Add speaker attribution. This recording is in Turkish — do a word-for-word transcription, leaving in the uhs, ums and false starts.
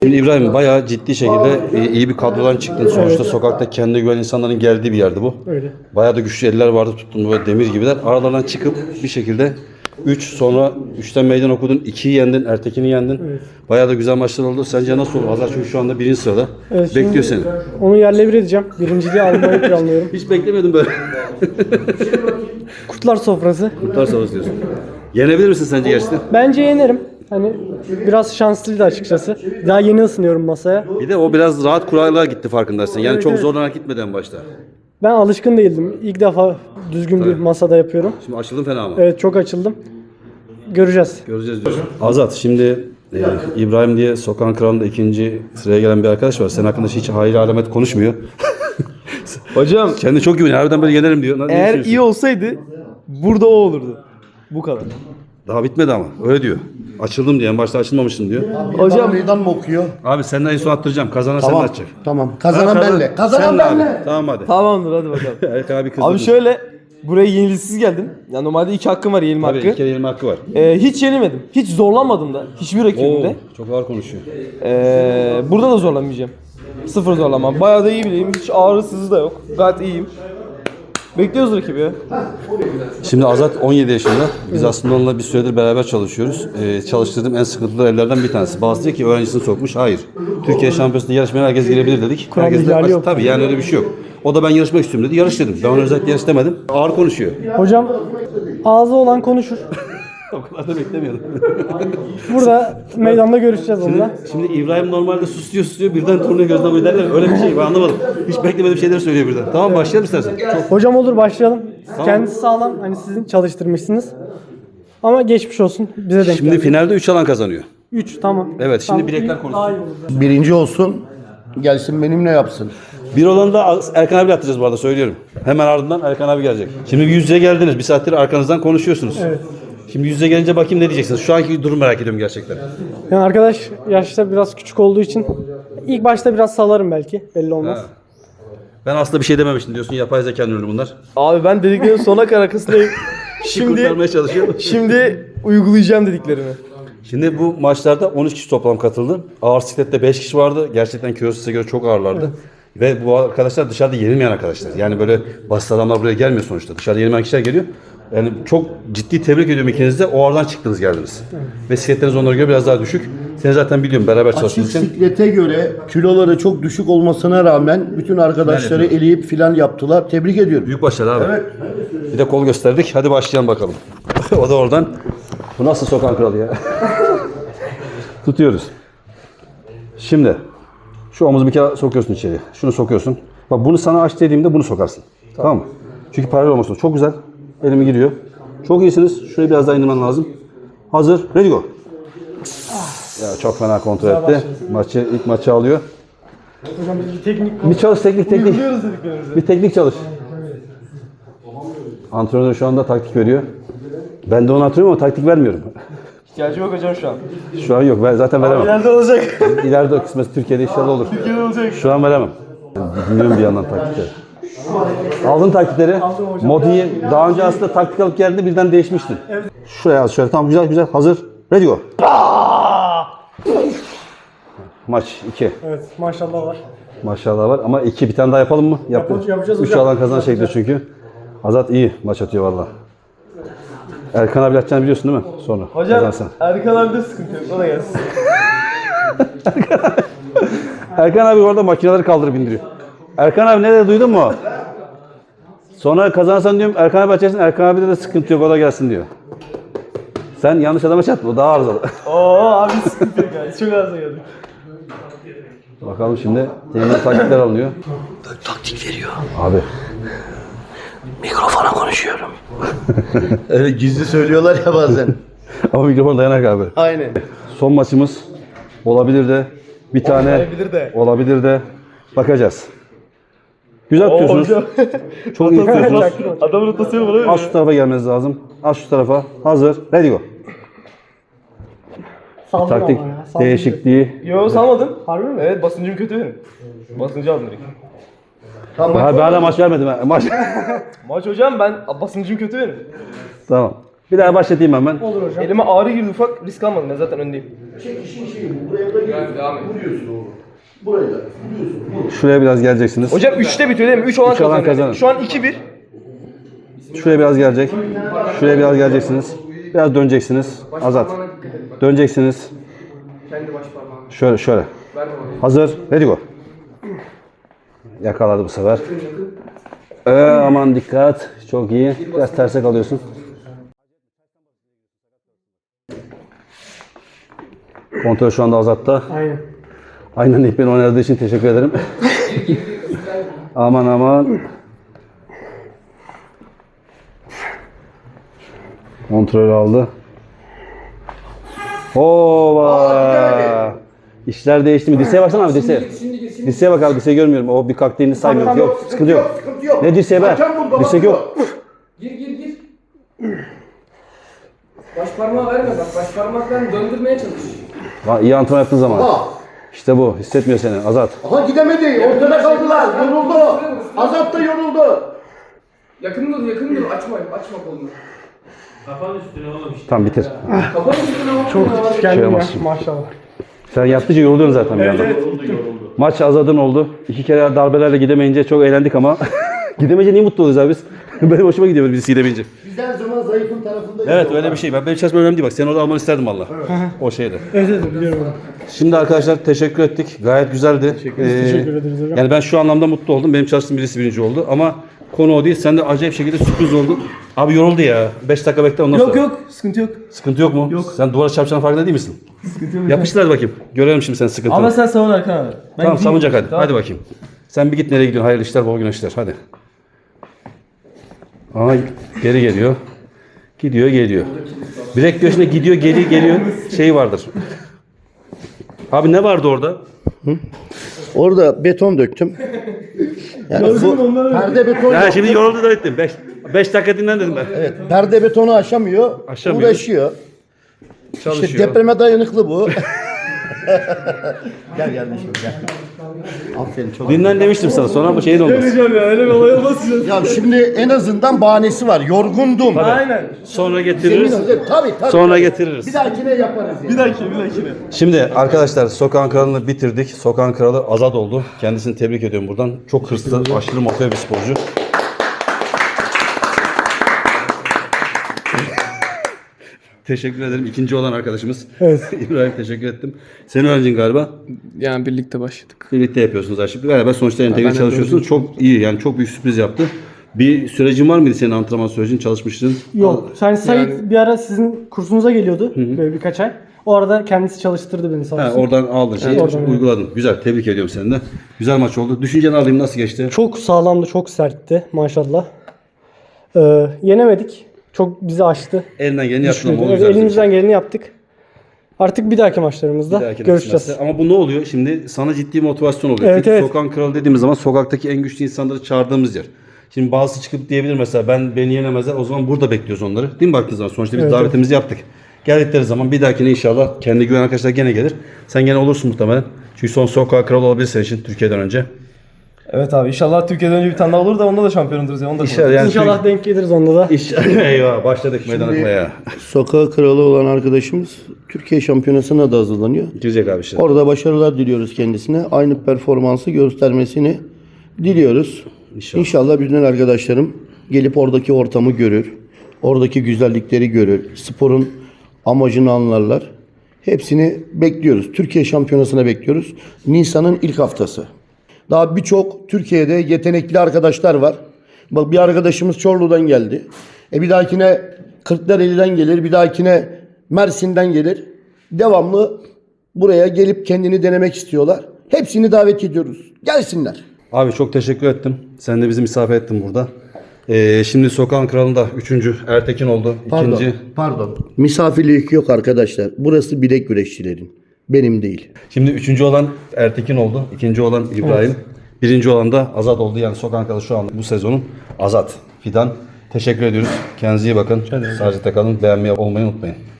Speaker 1: Şimdi İbrahim bayağı ciddi şekilde iyi bir kadrodan çıktın. Sonuçta sokakta kendine güvenen insanların geldiği bir yerdi bu.
Speaker 2: Öyle.
Speaker 1: Bayağı da güçlü eller vardı, tuttun böyle demir gibiler. Aralardan çıkıp bir şekilde üç sonra üçten meydan okudun. ikiyi yendin, Ertekin'i yendin.
Speaker 2: Evet.
Speaker 1: Bayağı da güzel maçlar oldu. Sence nasıl olur? Hazar çünkü şu anda birinci sırada.
Speaker 2: Evet,
Speaker 1: Bekliyor seni.
Speaker 2: Onu yerle bir edeceğim. Birinciliği almayı planlıyorum.
Speaker 1: Hiç beklemedim böyle.
Speaker 2: Kurtlar sofrası.
Speaker 1: Kurtlar savaşı diyorsun. Yenebilir misin sence gerçekten?
Speaker 2: Bence yenerim. Hani biraz şanslıydı açıkçası. Daha yeni ısınıyorum masaya.
Speaker 1: Bir de o biraz rahat kurallara gitti farkındaysın. Yani
Speaker 2: Evet,
Speaker 1: çok
Speaker 2: evet.
Speaker 1: zorlanarak gitmedi en başta.
Speaker 2: Ben alışkın değildim. İlk defa düzgün bir masada yapıyorum.
Speaker 1: Şimdi açıldın fena mı?
Speaker 2: Evet, çok açıldım. Göreceğiz.
Speaker 1: Göreceğiz diyorsun. Azat, şimdi e, İbrahim diye Sokağın Kralı'nda ikinci sıraya gelen bir arkadaş var. Senin hakkında hiç hayır alamet konuşmuyor.
Speaker 3: Hocam
Speaker 1: Kendi çok güveniyor. Harbiden böyle yenerim diyor. Ne
Speaker 3: eğer
Speaker 1: düşünüyorsun?
Speaker 3: iyi olsaydı burada o olurdu. Bu kadar.
Speaker 1: Daha bitmedi ama. Öyle diyor. Açıldım diyor. En başta açılmamıştım diyor.
Speaker 3: Hocam
Speaker 4: Meydan mı okuyor?
Speaker 1: Abi senden en son attıracağım. Kazanan sen
Speaker 4: Tamam.
Speaker 1: atacak.
Speaker 4: Tamam. Kazanan
Speaker 1: Ha, kazan-
Speaker 4: benle. Kazanan
Speaker 1: Sen de abi.
Speaker 4: benle.
Speaker 1: Tamam hadi.
Speaker 3: tamamdır hadi bakalım.
Speaker 1: Erkan abi kızdı.
Speaker 3: Abi şöyle buraya yenilgisiz geldim. Ya normalde iki hakkım var yenilme
Speaker 1: Abi
Speaker 3: hakkı.
Speaker 1: iki kere yenilme hakkı var.
Speaker 3: Ee, hiç yenilmedim. Hiç zorlanmadım da. Hiçbir
Speaker 1: Oo,
Speaker 3: rakibimde.
Speaker 1: çok ağır konuşuyor.
Speaker 3: Ee, burada da zorlanmayacağım. Sıfır zorlanmam. Bayağı da iyi bileyim. Hiç ağrı sızı da yok. Gayet iyiyim. Bekliyoruz rakibi ya.
Speaker 1: Şimdi Azat on yedi yaşında. Biz aslında onunla bir süredir beraber çalışıyoruz. Ee, çalıştırdığım en sıkıntılı evlerden bir tanesi. Bazı diyor ki öğrencisini sokmuş. Hayır. Türkiye şampiyonasında yarışmaya herkes girebilir dedik.
Speaker 2: Kural
Speaker 1: Herkes de
Speaker 2: ihlali yok.
Speaker 1: tabii yani öyle bir şey yok. O da ben yarışmak istiyorum dedi. Yarış dedim. Ben ona özellikle yarış demedim. Ağır konuşuyor.
Speaker 2: Hocam ağzı olan konuşur.
Speaker 1: O kadar da beklemiyordum.
Speaker 2: Burada meydanda görüşeceğiz onunla.
Speaker 1: Şimdi İbrahim normalde susuyor susuyor birden turnuva gözden böyle derler. Öyle bir şey ben anlamadım. Hiç beklemediğim şeyleri söylüyor birden. Tamam başlayalım istersen.
Speaker 2: Hocam olur, başlayalım. Kendisi sağlam. Hani sizin çalıştırmışsınız. Ama geçmiş olsun. Bize denk
Speaker 1: Şimdi
Speaker 2: geldi.
Speaker 1: finalde üç alan kazanıyor.
Speaker 2: üç tamam.
Speaker 1: Evet, şimdi
Speaker 2: Tamam,
Speaker 1: bilekler
Speaker 2: iyi-
Speaker 1: konuşsun.
Speaker 2: daha iyi olur.
Speaker 4: Birinci olsun. Gelsin benimle yapsın.
Speaker 1: Bir olanı da Erkan abi atacağız bu arada söylüyorum. Hemen ardından Erkan abi gelecek. Şimdi bir yüz yüze geldiniz. Bir saattir arkanızdan konuşuyorsunuz.
Speaker 2: Evet.
Speaker 1: Şimdi yüz yüze gelince bakayım ne diyeceksiniz. Şu anki durum merak ediyorum gerçekten.
Speaker 2: Yani arkadaş yaşta biraz küçük olduğu için ilk başta biraz salarım belki. Belli olmaz.
Speaker 1: Ha. Ben aslında bir şey dememiştim diyorsun. Yapay zekanın ürünü bunlar.
Speaker 3: Abi ben dediklerin sona kadar arkasındayım.
Speaker 1: Şimdi
Speaker 3: Şimdi
Speaker 1: kurtarmaya çalışıyor.
Speaker 3: şimdi uygulayacağım dediklerimi.
Speaker 1: Şimdi bu maçlarda on üç kişi toplam katıldı. Ağır siklette beş kişi vardı. Gerçekten Kiyosis'e göre çok ağırlardı. Ve bu arkadaşlar dışarıda yenilmeyen arkadaşlar. Yani böyle basit adamlar buraya gelmiyor sonuçta. Dışarıda yenilmeyen kişiler geliyor. Yani çok ciddi tebrik ediyorum ikiniz de. O aradan çıktınız geldiniz. Ve sikletleriniz onlara göre biraz daha düşük. Seni zaten biliyorum beraber
Speaker 4: Açık
Speaker 1: çalıştığınız için.
Speaker 4: siklete göre kiloları çok düşük olmasına rağmen bütün arkadaşları eleyip filan yaptılar. Tebrik ediyorum.
Speaker 1: Büyük başarı abi.
Speaker 4: Evet.
Speaker 1: Bir de kol gösterdik. Hadi başlayalım bakalım. O da oradan. Bu nasıl Sokağın Kralı ya? Tutuyoruz. Şimdi şu omuzu bir kere sokuyorsun içeri. Şunu sokuyorsun. Bak bunu sana aç dediğimde bunu sokarsın. Tamam, mı? Çünkü paralel olmasın. Çok güzel. Elimi giriyor. Çok iyisiniz. Şurayı biraz daha indirmen lazım. Hazır. Ready go. Ya çok fena kontrol etti. Maçı ilk maçı alıyor.
Speaker 2: Hocam bir teknik
Speaker 1: Bir çalış teknik teknik. Bir teknik çalış. Antrenör şu anda taktik veriyor. Ben de onu hatırlıyorum ama taktik vermiyorum.
Speaker 3: İhtiyacım yok hocam şu an.
Speaker 1: Şu an yok. Ben zaten veremem.
Speaker 3: İleride olacak.
Speaker 1: İleride o kısmet Türkiye'de inşallah olur.
Speaker 3: Türkiye'de olacak.
Speaker 1: Şu an veremem. Bilmiyorum bir yandan taktikleri. Aldın taktikleri. Modi'yi daha önce aslında taktik alıp geldiğinde birden değişmiştin. Şuraya az şöyle. Tamam güzel güzel. Hazır. Ready go. Maç iki.
Speaker 2: Evet, maşallah var.
Speaker 1: Maşallah var ama iki bir tane daha yapalım mı? Yap.
Speaker 2: Yapalım, yapacağız
Speaker 1: Üç
Speaker 2: hocam.
Speaker 1: alan kazan şekli çünkü. Azat iyi maç atıyor valla. Erkan abi atacağını biliyorsun değil mi? Sonra.
Speaker 3: Hocam
Speaker 1: Kazansan.
Speaker 3: Erkan abi de sıkıntı yok. O da gelsin.
Speaker 1: Erkan abi orada makineleri kaldırıp indiriyor. Erkan abi ne dedi duydun mu? Sonra kazanırsan diyorum Erkan abi açarsın. Erkan abi de, de sıkıntı yok o da gelsin diyor. Sen yanlış adama çatma o daha arızalı.
Speaker 3: Oo abi sıkıntı yok yani. Çok az geldik.
Speaker 1: Bakalım şimdi yeni taktikler alınıyor.
Speaker 5: Taktik veriyor.
Speaker 1: Abi.
Speaker 5: Mikrofona konuşuyorum.
Speaker 4: Evet, gizli söylüyorlar ya bazen.
Speaker 1: Ama mikrofon dayanak abi.
Speaker 4: Aynen.
Speaker 1: Son maçımız olabilir de bir tane
Speaker 3: Olmayabilir de.
Speaker 1: olabilir de bakacağız. Güzel tutuyorsunuz.
Speaker 3: hocam.
Speaker 1: Çok iyi tutuyorsunuz.
Speaker 3: Adamın rotasyonu var
Speaker 1: Az şu tarafa gelmeniz lazım. Az şu tarafa. Hazır. Ready go.
Speaker 2: Saldım
Speaker 1: Taktik
Speaker 2: ama ya. saldım.
Speaker 1: değişikliği.
Speaker 3: Yo salmadın.
Speaker 2: Harbi mi?
Speaker 3: Evet basıncım kötü benim. Basıncı aldım direkt.
Speaker 4: Tamam.
Speaker 1: Ha, ben hala maç vermedim. ha. Maç.
Speaker 3: Maç hocam ben basıncım kötü benim.
Speaker 1: Tamam. Bir daha başlatayım hemen.
Speaker 2: Olur hocam.
Speaker 3: Elime ağrı girdi ufak risk almadım ben zaten öndeyim.
Speaker 4: çekişin şeyi bu. Buraya da giriyorsun. Vuruyorsun oğlum. Buraya da vuruyorsun. Vur.
Speaker 1: Şuraya biraz geleceksiniz.
Speaker 3: Hocam üçte bitiyor değil mi? üç olan
Speaker 1: Üç olan
Speaker 3: kazanıyor.
Speaker 1: kazanır.
Speaker 3: Şu an iki bir.
Speaker 1: Şuraya biraz gelecek. Şuraya biraz geleceksiniz. Biraz döneceksiniz. Azat. Döneceksiniz. Şöyle şöyle. Hazır. Ready go. Yakaladı bu sefer. Ee, aman dikkat. Çok iyi. Biraz terse kalıyorsun. Kontrol şu anda Azat'ta.
Speaker 2: Aynen.
Speaker 1: Aynen ilk beni oynadığı için teşekkür ederim. Aman aman. Kontrol aldı. Hova. İşler değişti mi? Dirseğe baksana abi dirseğe. Dirseğe bak abi dirseği görmüyorum. O bir kalktığını saymıyorum. Yok sıkıntı yok.
Speaker 4: Sıkıntı yok.
Speaker 1: Ne dirseğe be?
Speaker 4: Hakem burada,
Speaker 1: Dirsek
Speaker 4: bak
Speaker 1: yok.
Speaker 5: Gir gir gir. Baş parmağı verme bak. Baş parmaklarını döndürmeye çalış.
Speaker 1: Lan iyi antrenman yaptığın zaman.
Speaker 4: Aha.
Speaker 1: İşte bu. Hissetmiyor seni Azat.
Speaker 4: Aha gidemedi. Ortada kaldılar. Yoruldu. Azat da yoruldu.
Speaker 5: Yakın dur yakın dur. Açma açma kolunu.
Speaker 1: Tamam bitir.
Speaker 5: Kafanı üstüne bak.
Speaker 2: Çok
Speaker 1: Şey
Speaker 2: kendim ya
Speaker 1: yapamazsın.
Speaker 2: maşallah.
Speaker 1: Sen yaptıkça yoruluyorsun zaten bir yandan. Maç Azad'ın oldu. İki kere darbelerle gidemeyince çok eğlendik ama gidemeyince niye mutlu oluyoruz abi biz? Benim hoşuma gidiyor böyle birisi gidemeyince.
Speaker 4: Biz her zaman zayıfın tarafındayız.
Speaker 1: Evet öyle bir şey. Ben benim çalışmam önemli değil bak. Seni orada almanı isterdim valla. O şeyde.
Speaker 2: Evet evet biliyorum onu.
Speaker 1: Şimdi arkadaşlar teşekkür ettik. Gayet güzeldi. Teşekkür,
Speaker 2: teşekkür ederiz hocam.
Speaker 1: Yani ben şu anlamda mutlu oldum. Benim çalıştığım birisi birinci oldu. Ama konu o değil. Sen de acayip şekilde sürpriz oldun. Abi yoruldu ya. beş dakika bekle ondan
Speaker 3: Yok
Speaker 1: sonra.
Speaker 3: yok sıkıntı yok.
Speaker 1: Sıkıntı yok mu? Yok. Sen duvara çarpacağının farkında değil misin?
Speaker 3: Sıkıntı yok.
Speaker 1: Yapıştır hadi bakayım. Görelim şimdi senin sıkıntını.
Speaker 3: Ama sen savun Erkan abi. Ben
Speaker 1: Tamam
Speaker 3: gideyim.
Speaker 1: savunacak hadi.
Speaker 3: Tamam.
Speaker 1: Hadi bakayım. Sen bir git nereye gidiyorsun? Hayırlı işler, bol güneşler. Hadi. Aa geri geliyor. Gidiyor geliyor. Bilek göğsüne gidiyor geri geliyor. Şey vardır. Abi ne vardı orada?
Speaker 4: Orada beton döktüm. Yani bu perde beton
Speaker 1: Ya
Speaker 4: yok.
Speaker 1: şimdi yoruldu da ettim. beş dakika dinlen dedim ben.
Speaker 4: Evet, perde betonu aşamıyor.
Speaker 1: Aşamıyor.
Speaker 4: Uğraşıyor.
Speaker 1: Çalışıyor.
Speaker 4: İşte depreme dayanıklı bu. Gel kardeşim gel. Aferin çok.
Speaker 1: Dinlen demiştim sana. Sonra bu şeyin olmaz.
Speaker 3: Hocam ya öyle bir olay olmasın.
Speaker 4: Ya şimdi en azından bahanesi var. Yorgundum.
Speaker 3: Aynen.
Speaker 1: Sonra getiririz.
Speaker 4: Yemin ederim, Tabii tabii.
Speaker 1: Sonra
Speaker 4: tabii.
Speaker 1: getiririz.
Speaker 4: Bir dahakine yaparız. Yani.
Speaker 3: Bir dahaki bir dahakine.
Speaker 1: Şimdi arkadaşlar Sokağın Kralı'nı bitirdik. Sokağın Kralı Azat oldu. Kendisini tebrik ediyorum buradan. Çok hırslı, aşırı motive bir sporcu. Teşekkür ederim. İkinci olan arkadaşımız.
Speaker 2: Evet.
Speaker 1: İbrahim teşekkür ettim. Senin öğrencin galiba.
Speaker 5: Yani birlikte başladık.
Speaker 1: Birlikte yapıyorsunuz arşivde. Beraber sonuçta entegre
Speaker 5: ben de
Speaker 1: çalışıyorsunuz. Çok iyi yani çok büyük sürpriz yaptı. Bir sürecin var mıydı senin antrenman sürecin? Çalışmıştın.
Speaker 2: Yok. Yani Sait
Speaker 5: Yani-
Speaker 2: bir ara sizin kursunuza geliyordu. Böyle birkaç ay. O arada kendisi çalıştırdı beni sağ
Speaker 1: Ha,
Speaker 2: olsun.
Speaker 1: oradan aldın şeyi,
Speaker 2: Evet, oradan,
Speaker 1: uyguladın. Güzel, tebrik ediyorum seni de. Güzel maç oldu. Düşünceni alayım, nasıl geçti?
Speaker 2: Çok sağlamdı, çok sertti maşallah. Ee, yenemedik. Çok bizi aştı.
Speaker 1: Elinden geleni yaptın ama o
Speaker 2: Evet,
Speaker 1: güzel.
Speaker 2: elimizden geleni yaptık. Artık bir dahaki maçlarımızda
Speaker 1: Bir dahaki
Speaker 2: görüşeceğiz.
Speaker 1: kısmetse. Ama bu ne oluyor? Şimdi sana ciddi motivasyon oluyor.
Speaker 2: Evet,
Speaker 1: Çünkü
Speaker 2: evet.
Speaker 1: Sokağın Kralı dediğimiz zaman sokaktaki en güçlü insanları çağırdığımız yer. Şimdi bazısı çıkıp diyebilir mesela ben beni yenemezler. O zaman burada bekliyoruz onları. Değil mi baktığınız zaman? Sonuçta biz
Speaker 2: Evet,
Speaker 1: davetimizi yaptık. Geldikleri zaman bir dahakine inşallah kendi güven arkadaşlar gene gelir. Sen gene olursun muhtemelen. Çünkü son Sokağın Kralı olabilir senin için Türkiye'den önce.
Speaker 3: Evet abi inşallah Türkiye'den önce bir tane daha olur da onda da şampiyon oluruz ya. Onu da
Speaker 1: İnşallah yani
Speaker 2: İnşallah denk geliriz onda da.
Speaker 1: İş, eyvah başladık meydan okumaya.
Speaker 4: Sokağı kralı olan arkadaşımız Türkiye şampiyonasına da hazırlanıyor.
Speaker 1: Girecek abi işte.
Speaker 4: Orada başarılar diliyoruz kendisine. Aynı performansı göstermesini diliyoruz.
Speaker 1: İnşallah.
Speaker 4: İnşallah bütün arkadaşlarım gelip oradaki ortamı görür. Oradaki güzellikleri görür. Sporun amacını anlarlar. Hepsini bekliyoruz. Türkiye şampiyonasına bekliyoruz. Nisan'ın ilk haftası. Daha birçok Türkiye'de yetenekli arkadaşlar var. Bak bir arkadaşımız Çorlu'dan geldi. E bir dahakine Kırklareli'den gelir. Bir dahakine Mersin'den gelir. Devamlı buraya gelip kendini denemek istiyorlar. Hepsini davet ediyoruz. Gelsinler.
Speaker 1: Abi çok teşekkür ettim. Sen de bizi misafir ettin burada. Ee, şimdi Sokağın Kralı'nda üçüncü Ertekin oldu.
Speaker 4: Pardon.
Speaker 1: İkinci.
Speaker 4: Pardon. Misafirlik yok arkadaşlar. Burası bilek güreşçilerin. Benim değil.
Speaker 1: Şimdi üçüncü olan Ertekin oldu. İkinci olan İbrahim. Birinci olan da Azat oldu. Yani Sokağın Kralı şu anda bu sezonun Azat. Fidan. Teşekkür ediyoruz. Kendinize iyi bakın. Sağlıcakla kalın. Beğenmeyi olmayı unutmayın.